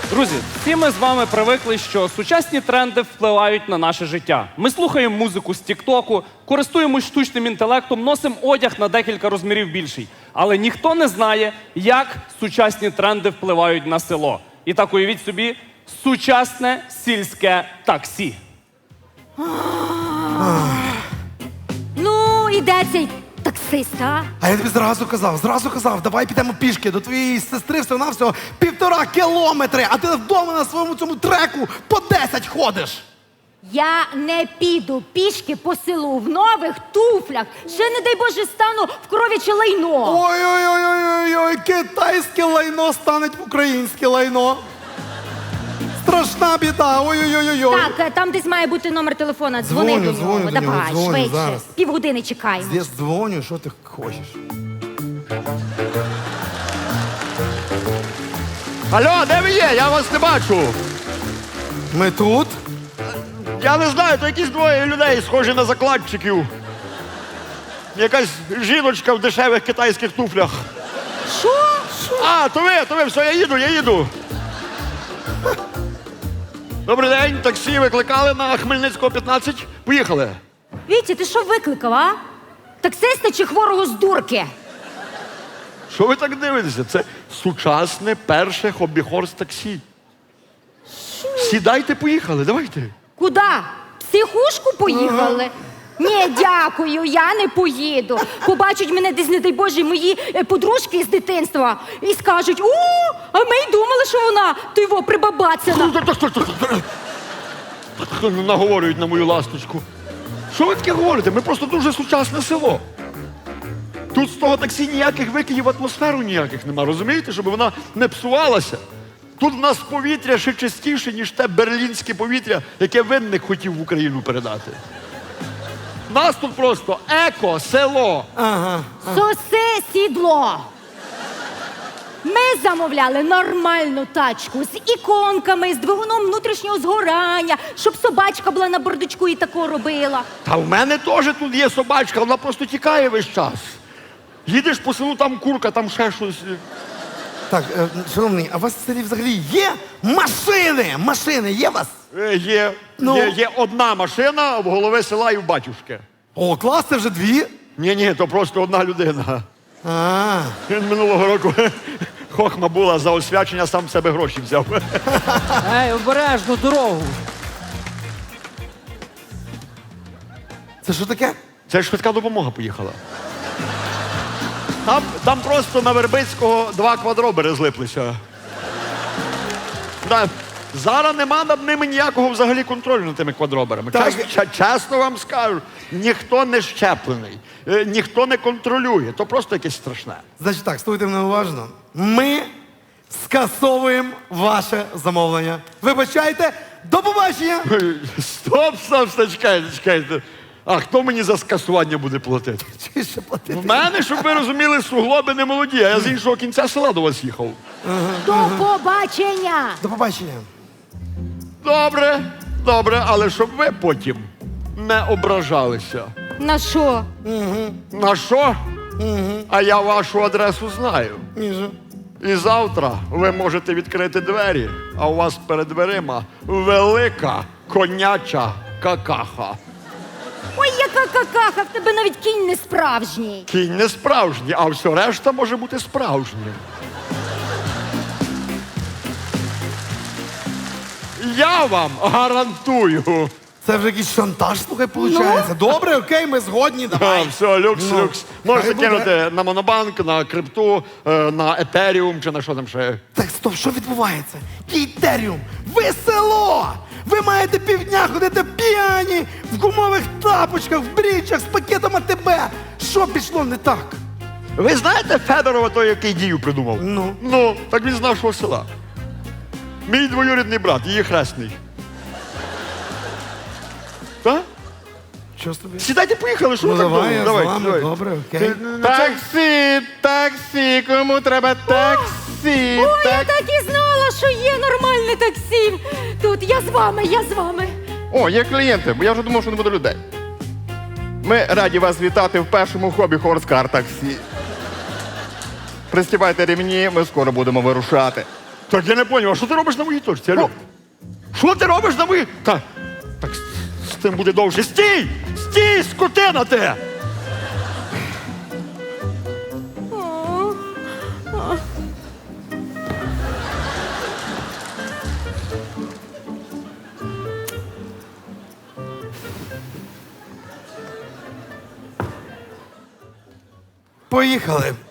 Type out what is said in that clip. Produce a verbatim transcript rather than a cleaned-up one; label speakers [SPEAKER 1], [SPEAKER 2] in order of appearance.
[SPEAKER 1] Друзі, всі ми з вами привикли, що сучасні тренди впливають на наше життя. Ми слухаємо музику з Тік-Току, користуємось штучним інтелектом, носимо одяг на декілька розмірів більший. Але ніхто не знає, як сучасні тренди впливають на село. І так уявіть собі, сучасне сільське таксі.
[SPEAKER 2] Ну, і де цей таксист, а?
[SPEAKER 3] А я тобі зразу казав, зразу казав, давай підемо пішки до твоєї сестри всього-навсього півтора кілометри, а ти вдома на своєму цьому треку по десять ходиш.
[SPEAKER 2] Я не піду пішки по селу в нових туфлях. Ще, не дай Боже, стану в кров'яче лайно.
[SPEAKER 3] Ой-ой-ой-ой-ой, китайське лайно стане українське лайно. Страшна біда, ой-ой-ой-ой.
[SPEAKER 2] Так, е, там десь має бути номер телефона. Дзвони
[SPEAKER 3] Дзвоню,
[SPEAKER 2] до нього.
[SPEAKER 3] дзвоню до нього,
[SPEAKER 2] Давай,
[SPEAKER 3] дзвоню
[SPEAKER 2] швидше.
[SPEAKER 3] зараз.
[SPEAKER 2] Півгодини чекаємо.
[SPEAKER 3] Я дзвоню, що ти хочеш?
[SPEAKER 4] Алло, де ви є? Я вас не бачу.
[SPEAKER 3] Ми тут?
[SPEAKER 4] Я не знаю, то якісь двоє людей, схожі на закладчиків. Якась жіночка в дешевих китайських туфлях.
[SPEAKER 2] Що?
[SPEAKER 4] А, то ви, то ви, все, я їду, я їду. Добрий день, таксі викликали на Хмельницького, п'ятнадцять. Поїхали.
[SPEAKER 2] Вітя, ти що викликав, а? Таксиста чи хворого з дурки?
[SPEAKER 4] Що ви так дивитеся? Це сучасне перше хобі-хорс таксі. Сідайте, поїхали, давайте.
[SPEAKER 2] Куда? В психушку поїхали? Ні, дякую, я не поїду. Побачать мене десь, не дай Боже, мої е, подружки з дитинства і скажуть: о, а ми й думали, що вона, то його прибабацяна.
[SPEAKER 4] Наговорюють на мою ласточку. Що ви таке говорите? Ми просто дуже сучасне село. Тут з того таксі ніяких викидів в атмосферу ніяких нема, розумієте? Щоб вона не псувалася. Тут в нас повітря ще чистіше, ніж те берлінське повітря, яке Винник хотів в Україну передати. У нас тут просто еко-село.
[SPEAKER 3] Ага.
[SPEAKER 2] Соси сідло. Ми замовляли нормальну тачку з іконками, з двигуном внутрішнього згорання, щоб собачка була на бардачку і тако робила.
[SPEAKER 4] Та в мене теж тут є собачка, вона просто тікає весь час. Їдеш по селу, там курка, там ще щось.
[SPEAKER 3] Так, е, шановний, а у вас в селі взагалі є машини? Машини є у вас?
[SPEAKER 4] Е, Є,
[SPEAKER 3] Ну?
[SPEAKER 4] є, є одна машина в голови села і в батюшки.
[SPEAKER 3] О, клас, це вже дві.
[SPEAKER 4] Ні-ні, то просто одна людина.
[SPEAKER 3] А,
[SPEAKER 4] Він минулого року хохма була за освячення, сам в себе гроші взяв.
[SPEAKER 5] Ей, обережно дорогу.
[SPEAKER 3] це що таке?
[SPEAKER 4] Це ж швидка допомога поїхала. Там, там просто на Вербицького два квадробери злиплися. Да. Зараз нема над ними ніякого взагалі контролю над тими квадроберами.
[SPEAKER 3] Так.
[SPEAKER 4] Чесно, ча- чесно вам скажу, ніхто не щеплений, е, ніхто не контролює. То просто якесь страшне.
[SPEAKER 3] Значить так, слухайте мене уважно. Ми скасовуємо ваше замовлення. Вибачайте, до побачення!
[SPEAKER 4] Стоп, стоп, стоп, чекайте, чекайте. А хто мені за скасування буде платити?
[SPEAKER 3] Чи ще платити?
[SPEAKER 4] В мене, щоб ви розуміли, суглоби не молоді, а я з іншого кінця села до вас їхав.
[SPEAKER 2] До побачення!
[SPEAKER 3] До побачення.
[SPEAKER 4] Добре, добре, але щоб ви потім не ображалися.
[SPEAKER 2] На що?
[SPEAKER 4] На що? А я вашу адресу знаю.
[SPEAKER 3] Міжа.
[SPEAKER 4] І завтра ви можете відкрити двері, а у вас перед дверима велика коняча какаха.
[SPEAKER 2] Ой, яка какаха, в тебе навіть кінь не справжній.
[SPEAKER 4] Кінь не справжній, а все решта може бути справжнім. Я вам гарантую.
[SPEAKER 3] Це вже якийсь шантаж, слухай, виходить. Добре, окей, ми згодні,
[SPEAKER 4] А,
[SPEAKER 3] давай.
[SPEAKER 4] все, люкс,
[SPEAKER 3] Ну,
[SPEAKER 4] люкс. Можете
[SPEAKER 3] хай буде.
[SPEAKER 4] кинути на Монобанк, на крипту, е, на етеріум чи на що там ще.
[SPEAKER 3] Так, стоп, що відбувається? Кейтеріум, ви село! Ви маєте півдня ходити п'яні, в гумових тапочках, в брічах, з пакетом АТБ. Що пішло не так?
[SPEAKER 4] Ви знаєте Федорова, той, який дію придумав?
[SPEAKER 3] Ну?
[SPEAKER 4] Ну, так він з нашого села. Мій двоюрідний брат, її хресний. Так?
[SPEAKER 3] Що з тобі?
[SPEAKER 4] Сідайте, поїхали, що
[SPEAKER 3] Ну
[SPEAKER 4] ви так
[SPEAKER 3] давай, я
[SPEAKER 4] довго?
[SPEAKER 3] з вами, добре, окей.
[SPEAKER 4] Ти, ну, це-
[SPEAKER 6] Таксі, таксі, кому треба таксі?
[SPEAKER 2] Ой, я
[SPEAKER 6] Так...
[SPEAKER 2] так і знала, що є нормальне таксі. Тут я з вами, я з вами.
[SPEAKER 6] О, є клієнти, бо я вже думав, що не буде людей. Ми раді вас вітати в першому хобі Хорскар таксі. Пристібайте рівні, ми скоро будемо вирушати.
[SPEAKER 4] Так я не зрозумів, а що ти робиш на моїй точці? Алло? Що ти робиш на моїй? Так, так з, з тим буде довше. Стій! Стій, скотина ти!
[SPEAKER 3] Поїхали.